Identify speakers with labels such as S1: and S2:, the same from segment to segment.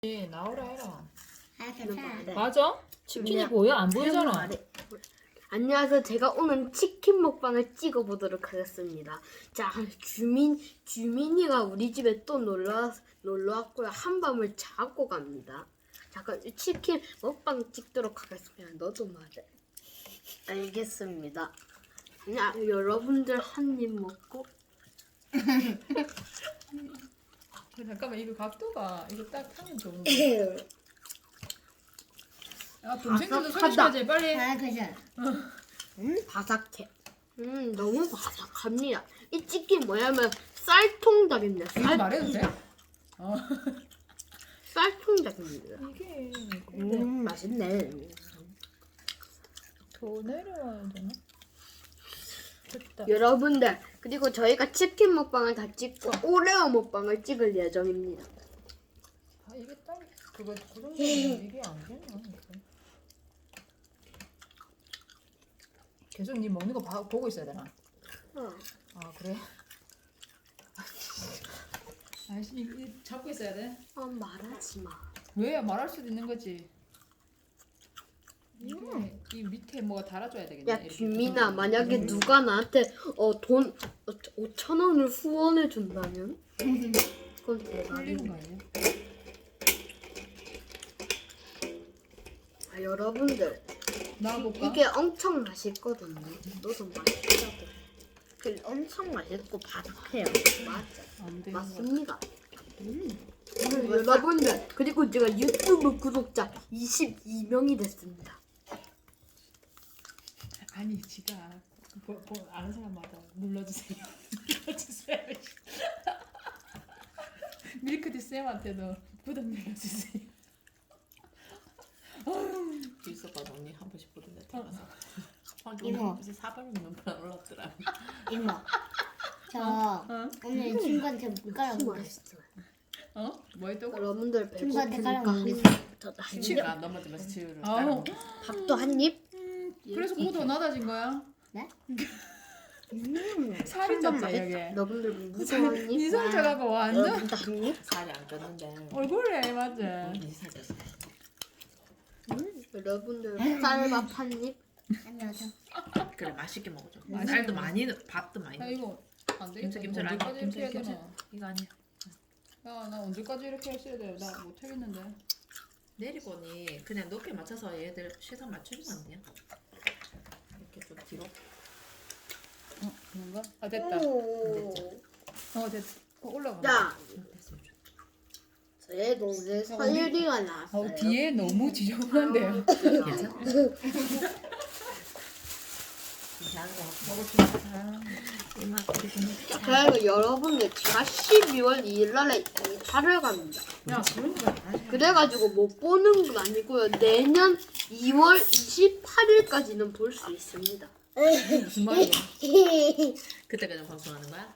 S1: 나오라 해라.
S2: 아 괜찮아.
S1: 맞아? 치킨이 보여? 안 보이잖아.
S3: 안녕하세요. 제가 오늘 치킨 먹방을 찍어보도록 하겠습니다. 자, 주민이가 우리 집에 또 놀러 왔고요. 한밤을 자고 갑니다. 잠깐 치킨 먹방 찍도록 하겠습니다. 너도 말해. 알겠습니다. 여러분들 한 입 먹고.
S1: 잠깐만 이거 각도가 이거 딱 하면 좋은 거. 야 동생들도 소개시켜줘 빨리.
S2: 아 괜찮아.
S3: 바삭해. 너무 바삭합니다. 이 치킨 뭐냐면 쌀통닭입니다.
S1: 이거 말해도 돼?
S3: 쌀통닭입니다.
S1: 이게
S3: 맛있네.
S1: 더 내려와야 되나? 됐다.
S3: 여러분들, 그리고 저희가 치킨 먹방을 다 찍고 오레오 먹방을 찍을 예정입니다.
S1: 아 이게 딱 그거 그 정도면 이게 안 되나? 이거. 계속 니 먹는 거 보고 있어야 되나? 아 그래? 아이씨 이거 잡고 있어야 돼?
S3: 말하지 마.
S1: 왜 말할 수도 있는 거지. 이게 이 밑에 뭐가 달아줘야 되겠네.
S3: 야,
S1: 이렇게.
S3: 규민아, 만약에 누가 나한테 돈 5,000원을 후원해 준다면? 그건
S1: 풀리는
S3: 대박이네.
S1: 거 아니야?
S3: 여러분들,
S1: 나와볼까?
S3: 이게 엄청 맛있거든요. 너도 맛있다고. 엄청 맛있고 바삭해요. 맞아.
S1: 안 되는 거.
S3: 맞습니다. 여러분들, 그리고 제가 유튜브 구독자 22명이 됐습니다.
S1: 아니 지가 아는 사람마다 눌러주세요. 눌러주세요. 밀크티 쌤한테도 구독 눌러주세요.
S4: 있었거든 언니 한 번씩 보던데 태어나서
S2: 이모.
S4: 무슨 사발이 몇번 올랐더라.
S2: 이모. 저 오늘 친구한테 물가락 먹었어.
S3: 맛있어요.
S1: 어? 뭐 했다고?
S3: 여러분들
S2: 친구한테
S3: 배고프니까
S2: 가라
S3: 한 입.
S4: 치유가 넘어지면서 치유를
S1: 아우.
S3: 밥도 한 입.
S1: 그래서 그거 더 낮아진 거야?
S2: 네?
S1: 살이 쪘지 여기.
S3: 여러분들 무슨 한 입?
S1: 이상 쳐갖고 완전
S3: 여러분들 한 입.
S4: 살이 안 쪘는데
S1: 얼굴에 맞지?
S4: 이 살쪘어.
S3: 여러분들 쌀밥 한 입.
S2: 안녕하세요.
S4: 그래 맛있게 먹어줘.
S1: 맛있게
S4: 쌀도 많이 밥도 많이
S1: 야
S4: 넣어.
S1: 이거 안 되겠다.
S4: 김치 아니야?
S1: 언제까지 이렇게 해야
S4: 김치
S1: 되나?
S4: 이거 아니야.
S1: 야나 언제까지 이렇게 했어야 돼? 나 못하겠는데.
S4: 내리고 언니 그냥 높이 맞춰서 얘들 시선 맞추면 안 돼요? 이렇게 좀 뒤로.
S1: 그런가? 아 됐다. 됐다. 올라가.
S3: 자,
S4: 됐으면 좋겠다.
S3: 제 동생 서유리가 나왔어요.
S1: 뒤에 너무 지저분한데요.
S4: 괜찮아? 괜찮은 거 같고 먹을 수 이마
S3: 그리고 여러분들 제가 12월 2일 날에 이사를 갑니다.
S4: 야 그런 거
S3: 그래가지고 못 보는 건 아니고요. 내년 2월 28일까지는 볼 수 있습니다.
S4: 무슨 말이야? 그때까지 방송하는 거야?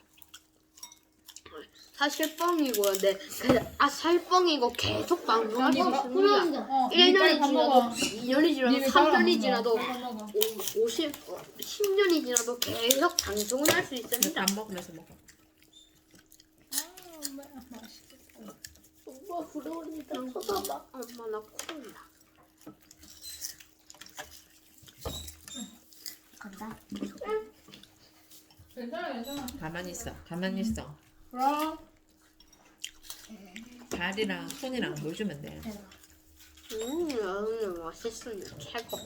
S3: 사실 뻥이고요. 네, 사실 뻥이고 계속 방송할 수 있습니다. 1년이
S1: 밥
S3: 지나도
S1: 먹어.
S3: 2년이 지나도
S1: 니네
S3: 3년이 지나도
S1: 밥 먹어.
S3: 10년이 지나도 계속 방송을 할 수 있습니다.
S4: 밥 먹으면서 먹어.
S1: 맛있겠다.
S3: 엄마 부러우니까 쳐다봐. 엄마 나 콜라.
S2: 간다.
S1: 괜찮아 괜찮아.
S4: 가만히 있어. 가만히 있어.
S1: 그럼.
S4: 발이랑 손이랑 보여주면 돼.
S3: 여러분 맛있습니다. 최고.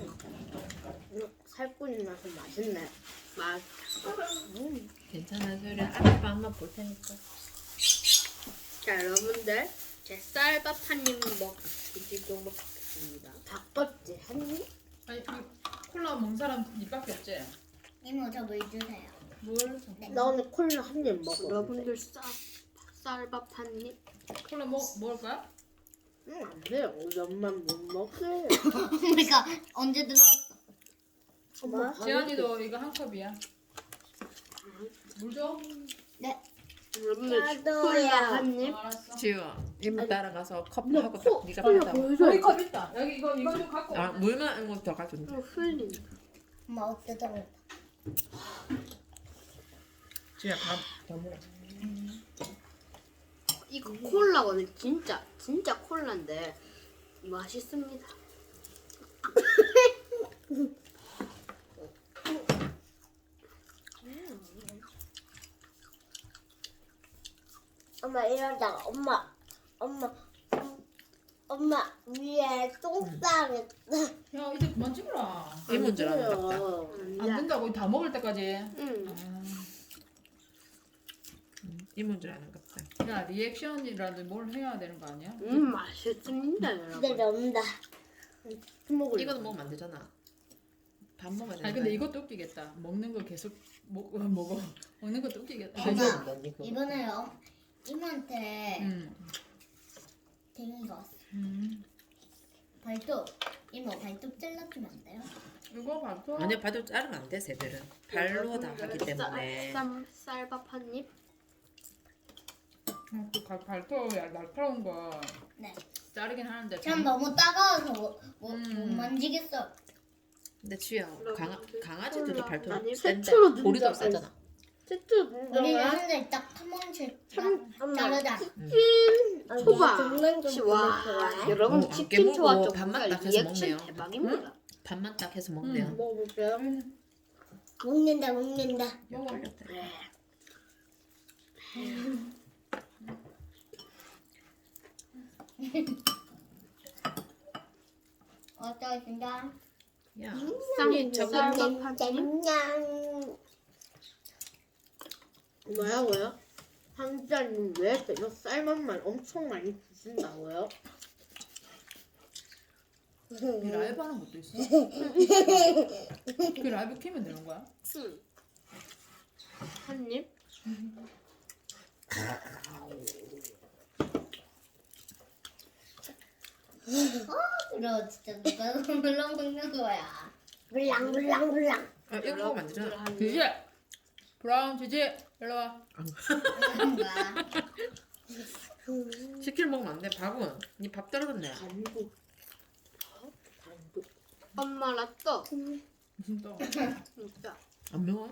S3: 살코기 나서 맛있네. 맛.
S4: 괜찮아 소리 앞에 한번 볼 테니까.
S3: 자, 여러분들 제 쌀밥 한 입 드시도록 하겠습니다. 닭껍질 한 입?
S1: 아니 이 콜라 먹는 사람 니밖에 없지?
S2: 이모 저 물 주세요.
S1: 뭘?
S3: 나 오늘 콜라 한 입 먹어. 여러분들 쌀밥 한 입?
S1: 콜라 먹을 거야?
S3: 안 돼요. 우리 엄마 못 먹어요.
S2: 그러니까 언제 들어왔어?
S3: 엄마
S1: 지안이도 이거 한 컵이야. 물 줘?
S2: 네.
S3: 여러분들 콜라 한 입?
S1: 알았어.
S4: 지우 이모 따라가서 컵하고 딱 네가
S3: 콜라
S4: 받아.
S3: 보여줘.
S1: 여기 컵 있다. 여기 이거 좀 갖고.
S4: 아 물만 이거 더 가져온다.
S3: 흘린.
S2: 엄마 어때 들어?
S4: 지우야 밥더 먹어.
S3: 이거 콜라거든. 진짜 콜라인데 맛있습니다.
S2: 엄마 이러다가 엄마 위에 똥 싸겠다.
S1: 야 이제 그만 찍어라.
S4: 이문 줄 아는 같다.
S1: 안 된다고 다 먹을 때까지.
S3: 응.
S4: 이문 줄 아는 같다.
S1: 야 리액션이라도 뭘 해야 되는 거 아니야?
S3: 맛있습니다, 여러분.
S2: 근데 넘다.
S3: 먹을.
S4: 이거는 먹으면 안 되잖아. 밥 먹어야 되는
S1: 아니 근데 이것도 웃기겠다. 먹는 거 계속 먹어. 먹는 것도 웃기겠다.
S2: 엄마 이번에 이모한테
S1: 음.
S2: 댕이가 왔어.
S1: 음.
S2: 발톱 이모 발톱 잘라주면 안 돼요?
S1: 이거 봐도
S4: 아니야, 발도 자르면 안 돼, 새들은. 발로 다 하기 때문에.
S3: 쌀밥 한 입.
S1: 그 발톱 날카로운 거
S2: 네.
S1: 자르긴 하는데
S2: 전 너무 따가워서 못
S1: 음.
S2: 만지겠어.
S4: 근데 지우야, 강아지들이
S3: 몰라.
S4: 발톱
S3: 아니,
S4: 센데
S3: 새초로
S4: 고리도
S3: 눈
S4: 세잖아.
S3: 최초
S2: 우리는 한달 딱한 번씩 자르자.
S3: 초밥. 와, 여러분
S4: 안
S3: 치킨
S4: 깨물고
S3: 초밥
S4: 밥만
S3: 정말
S4: 딱 해서
S3: 리액션
S4: 먹네요.
S3: 대박입니다.
S4: 밥만 딱 해서 먹네요.
S3: 먹어볼게요.
S2: 먹는다.
S4: 영 올렸다.
S2: 어떠신가?
S4: 야,
S3: 쌀밥 한 입.
S2: 냠냠.
S3: 뭐라고요? 한자님 왜 계속 쌀밥만 엄청 많이 드신다고요?
S1: 이 라이브 하는 것도 있어. 그 라이브 키면 되는 거야?
S3: 응. 한 입.
S2: 이러 진짜 누가 물렁 먹는 거야. 물랑.
S4: 아, 이거 먹으면 안 되잖아.
S1: 지지 브라운 지지 일로 와.
S2: 뭔가.
S4: 치킨 먹으면 안 돼. 밥은 니 밥 떨어졌네.
S3: 반복. 엄마 라또
S1: 진짜
S3: 진짜.
S4: 안 매워?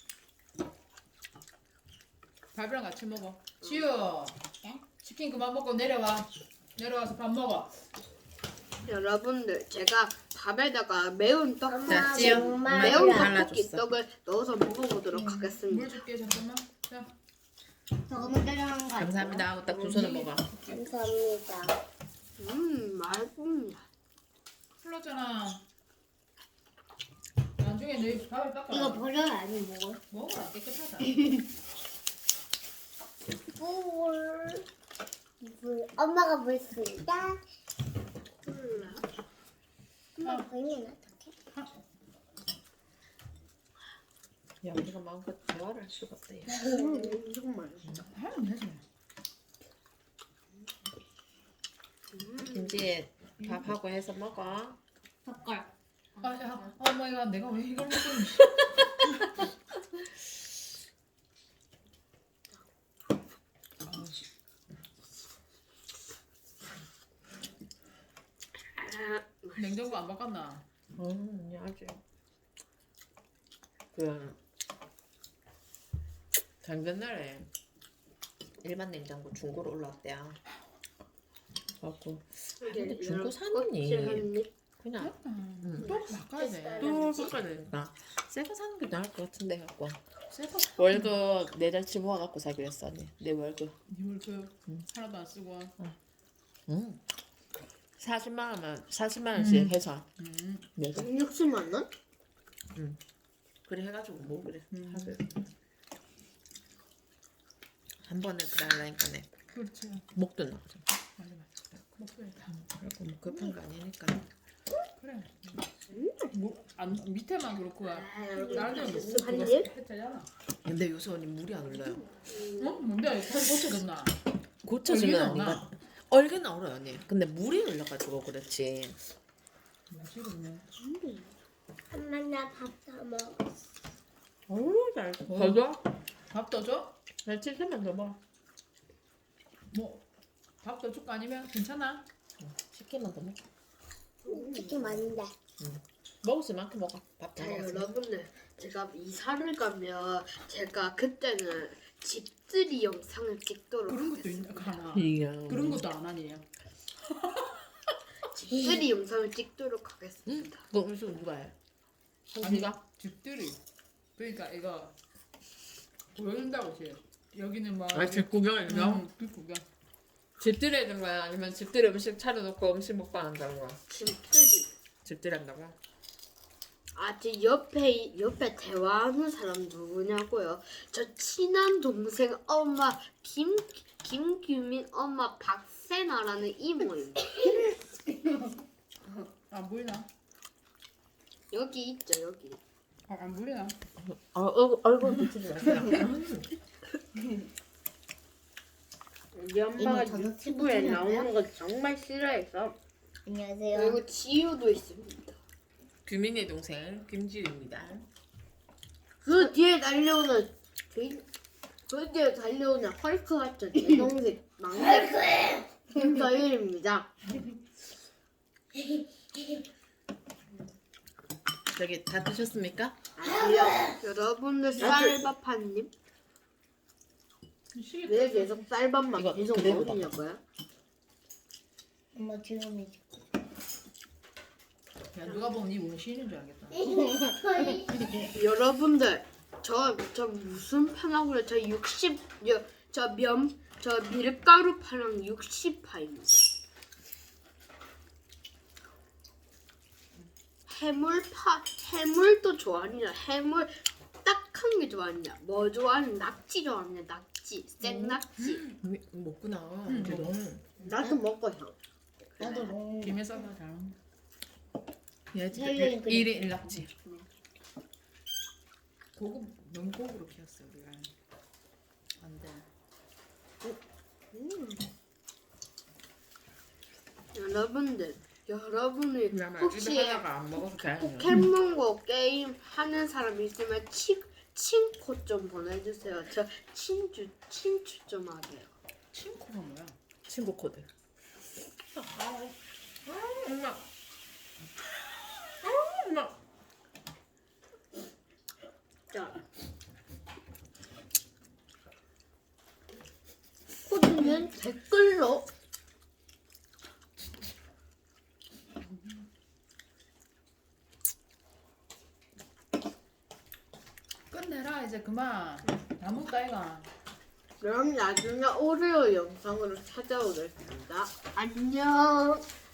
S1: 밥이랑 같이 먹어. 지우
S2: 네?
S1: 치킨 그만 먹고 내려와. 내려와서 밥 먹어.
S3: 여러분들 제가 밥에다가 매운 떡,
S4: 자, 찌요. 엄마
S3: 매운
S4: 떡
S3: 떡볶이
S4: 발라줬어.
S3: 떡을 넣어서 먹어보도록 하겠습니다.
S1: 물 줄게 잠깐만. 자
S2: 저거는 따라한 거 아니야?
S4: 감사합니다 하고 딱 두 손을 먹어.
S2: 감사합니다.
S3: 맛있습니다.
S1: 흘렀잖아. 나중에 내 밥을 닦아.
S2: 이거 버려야 아니 뭐?
S1: 먹어라 깨끗하다.
S2: 물. 엄마가 물 쓰다.
S3: 몰라.
S2: 엄마 보이면 어떡해?
S4: 야, 우리가 마음껏 대화를 할 수가 없다. 야.
S3: 정말.
S1: 하면 되지.
S4: 김치에 밥하고 해서 먹어.
S2: 젓갈.
S1: 아야 어머니가 내가 왜 이걸 먹고 있니? 냉장고 안 바꿨나?
S4: 아주. 그 작년날에 일반 냉장고 중고로 올라왔대요. 갖고 근데 중고 사느니 그냥
S1: 또 바꿔야 돼.
S4: 또 바꿔야 되니까 새거 사는 게 나을 것 같은데 갖고
S1: 새거
S4: 월급 4달치 모아갖고 사기로 했어 언니. 내 월급.
S1: 네 월급 하나도 안 쓰고.
S4: 40만 원씩 해서 내가
S3: 60만 원?
S4: 그래 해가지고 뭐 그래 하기로 한 번에 그래 하려니까네
S1: 그렇지.
S4: 목도 나오죠.
S1: 맞아. 먹어야다.
S4: 그리고 뭐 급한 거 아니니까.
S1: 그래. 뭐안 밑에만 그렇고 다른 데는 뭐
S3: 한
S1: 그거
S3: 입?
S1: 했잖아.
S4: 근데 요새 언니 물이 안 올라요.
S1: 어? 뭔데? 살이 고쳐졌나?
S4: 고쳐주면
S1: 얼개는
S4: 언니가 얼개는 얼어요 언니. 근데 물이 올라가지고 그렇지.
S1: 맛있겠네.
S2: 엄마 나 밥 다 먹어.
S4: 어우 잘. 더 줘?
S1: 밥 더 줘?
S4: 잘 치즈만 더 먹어.
S1: 뭐 밥 더 줄까 아니면 괜찮아?
S4: 치킨만 더 먹어.
S2: 치킨 많은데.
S4: 먹을 수 만큼 먹어. 밥 다
S3: 자
S4: 먹었어.
S3: 여러분들 제가 이사를 가면 제가 그때는 집들이 영상을 찍도록
S1: 그런 것도
S3: 하겠습니다.
S1: 하나.
S4: 이야.
S1: 그런 것도 안 하니.
S3: 집들이 영상을 찍도록 하겠습니다.
S4: 그거 음식 누가 해? 언니가?
S1: 집들이. 그러니까 이거 보여준다고 지. 여기는 막.
S4: 집 구경
S1: 집 구경.
S4: 집들이 하는 거야? 아니면 집들이 음식 차려놓고 음식 먹방 한다는 거야?
S3: 집들이.
S4: 집들이 한다고?
S3: 제 옆에 대화하는 사람 누구냐고요? 저 친한 동생 엄마 김규민 엄마 박세나라는 이모입니다.
S1: 안 보이나?
S3: 여기 있죠 여기.
S1: 안 보이나?
S4: 얼굴 비치지 마세요.
S3: 우리 엄마가
S2: 이모 저녁
S3: 유튜브에
S2: 친구
S3: 나오는 거 정말 싫어해서.
S2: 안녕하세요.
S3: 그리고 지우도 있습니다.
S4: 규민의 동생 김지우입니다.
S3: 그 뒤에 달려오는 헐크 같은 제 동생 막내 김서일입니다.
S4: 저기 다 드셨습니까?
S3: 아니요. 여러분들 쌀밥 한 입? 왜 계속 쌀밥만
S4: 이거
S3: 계속
S4: 그대로
S3: 먹으냐고요?
S2: 엄마 지금이
S1: 야 누가 보면 이 원시인인 줄 알겠다.
S3: 여러분들 저 무슨 파나고요? 저 밀가루 파랑 60파입니다. 해물도 좋아하냐? 해물 딱한 게 좋아하냐? 뭐 좋아하냐? 낙지 좋아하냐? 낙지, 생낙지.
S4: 먹구나.
S1: 응,
S4: 걔도.
S3: 나도 먹어요.
S2: 나도 먹는
S1: 김에 싸서 잘.
S4: 얘
S2: 헬로윈 그림.
S4: 1인 1낙지.
S1: 고급 너무 고급으로 키웠어 우리가. 안 돼.
S3: 여러분이 혹시
S4: 하나가 안 먹어서 다행이야.
S3: 포켓몬고 게임 하는 사람 있으면 친코 좀 보내주세요. 저 친추 좀 하게요.
S1: 친코가 뭐야?
S4: 친구 코드. 엄마. 엄마.
S3: 자, 코드는 댓글로
S1: 끝내라 이제 그만. 다 먹다 이가.
S3: 그럼 나중에 오레오 영상으로 찾아오겠습니다. 안녕.